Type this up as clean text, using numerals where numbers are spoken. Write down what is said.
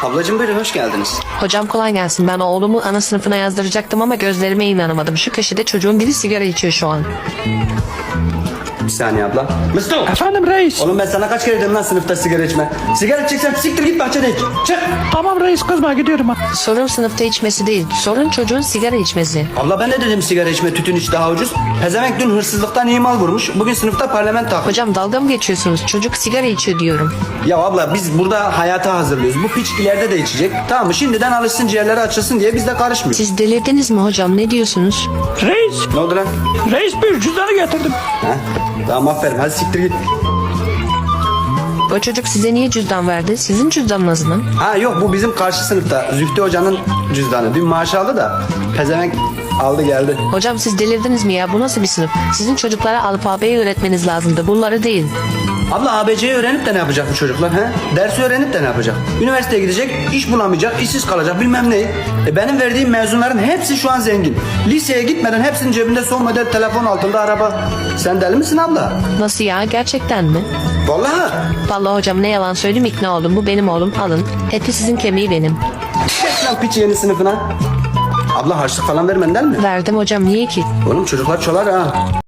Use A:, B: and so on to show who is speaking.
A: Ablacığım buyurun, hoş geldiniz.
B: Hocam kolay gelsin. Ben oğlumu ana sınıfına yazdıracaktım ama gözlerime inanamadım. Şu köşede çocuğun biri sigara içiyor şu an.
A: Bir saniye abla. Mustafa!
C: Efendim reis.
A: Oğlum ben sana kaç kere dedim lan sınıfta sigara içme. Sigara içeceksen siktir git bahçede iç. Çık!
C: Tamam reis, kızma, gidiyorum ha.
B: Sorun sınıfta içmesi değil. Sorun çocuğun sigara içmesi.
A: Abla ben de dedim sigara içme, tütün iç daha ucuz. Pezevenk dün hırsızlıktan iyi mal vurmuş. Bugün sınıfta parlamento.
B: Hocam dalga mı geçiyorsunuz? Çocuk sigara içiyor diyorum.
A: Ya abla biz burada hayata hazırlıyoruz. Bu piç ileride de içecek. Tamam mı? Şimdiden alışsın, ciğerleri açılsın diye biz de karışmıyoruz.
B: Siz delirdiniz mi hocam? Ne diyorsunuz?
C: Reis.
A: Ne oldu lan?
C: Reis, bir cüzdanı getirdim.
A: Ha? Tamam aferin, hadi siktir git.
B: O çocuk size niye cüzdan verdi? Sizin cüzdanınız mı?
A: Ha yok, bu bizim karşı sınıfta Zühtü Hoca'nın cüzdanı. Dün maaş aldı da pezevenk aldı geldi.
B: Hocam siz delirdiniz mi ya? Bu nasıl bir sınıf? Sizin çocuklara alfabeyi öğretmeniz lazımdı. Bunları değil.
A: Abla ABC'yi öğrenip de ne yapacak bu çocuklar? He? Dersi öğrenip de ne yapacak? Üniversiteye gidecek, iş bulamayacak, işsiz kalacak bilmem ne. Benim verdiğim mezunların hepsi şu an zengin. Liseye gitmeden hepsinin cebinde son model telefon, altında araba. Sen deli misin abla?
B: Nasıl ya? Gerçekten mi?
A: Vallahi.
B: Vallahi hocam ne yalan söyleyeyim, ikna oldum. Bu benim oğlum. Alın. Eti sizin, kemiği benim.
A: Geç lan piç yeni sınıfına. Abla harçlık falan vermenden mi?
B: Verdim hocam. Niye ki?
A: Oğlum çocuklar çolar ha.